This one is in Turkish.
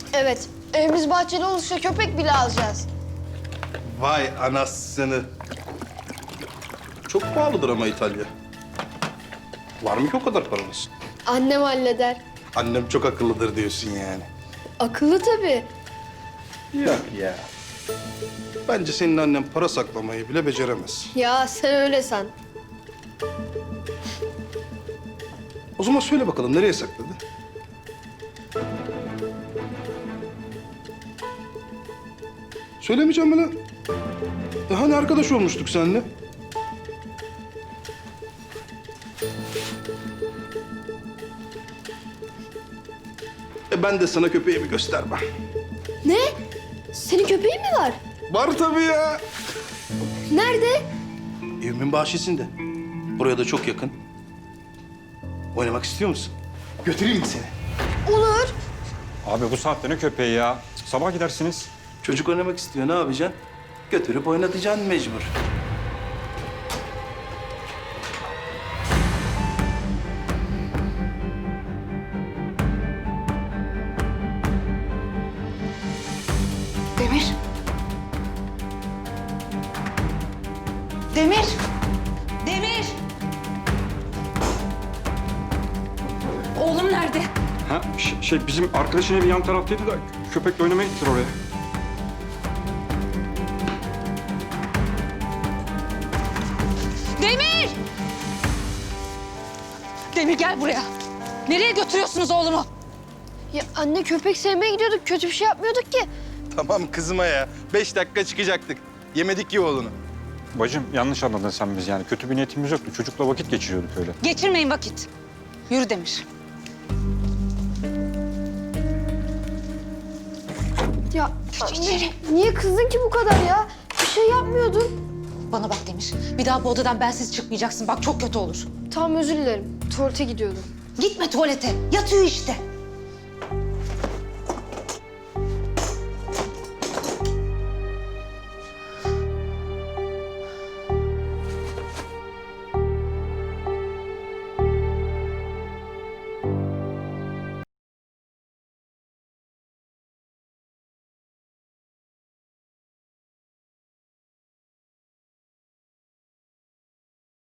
Evet, evimiz bahçeli olursa köpek bile alacağız. Vay anasını. Çok pahalıdır ama İtalya. Var mı ki o kadar paranız? Annem halleder. Annem çok akıllıdır diyorsun yani. Akıllı tabii. Yok ya. Bence senin annen para saklamayı bile beceremez. Ya sen öyle san. O zaman söyle bakalım nereye sakladı? Söylemeyeceğim mi lan? Hani arkadaş olmuştuk seninle? Ben de sana köpeğimi göstermem. Ne? Senin köpeğin mi var? Var tabii ya. Nerede? Evimin bahçesinde. Buraya da çok yakın. Oynamak istiyor musun? Götüreyim mi seni? Olur. Abi bu saatte ne köpeği ya? Sabah gidersiniz. Çocuk oynamak istiyor, ne yapacaksın? Götürüp oynatacaksın mecbur. Demir. Demir. Demir. Oğlum nerede? Ha bizim arkadaşın evi yan taraftaydı da köpekle oynamaya gittiler oraya. Demir! Demir gel buraya. Nereye götürüyorsunuz oğlumu? Ya anne köpek sevmeye gidiyorduk. Kötü bir şey yapmıyorduk ki. Tamam kızma ya. 5 dakika çıkacaktık. Yemedik ki oğlunu. Bacım yanlış anladın sen biz yani. Kötü bir niyetimiz yoktu. Çocukla vakit geçiriyorduk öyle. Geçirmeyin vakit. Yürü Demir. Ya anne niye kızdın ki bu kadar ya? Bir şey yapmıyordun. Bana bak Demir. Bir daha bu odadan bensiz çıkmayacaksın. Bak çok kötü olur. Tamam özür dilerim. Tuvalete gidiyordum. Gitme tuvalete. Yatıyor işte.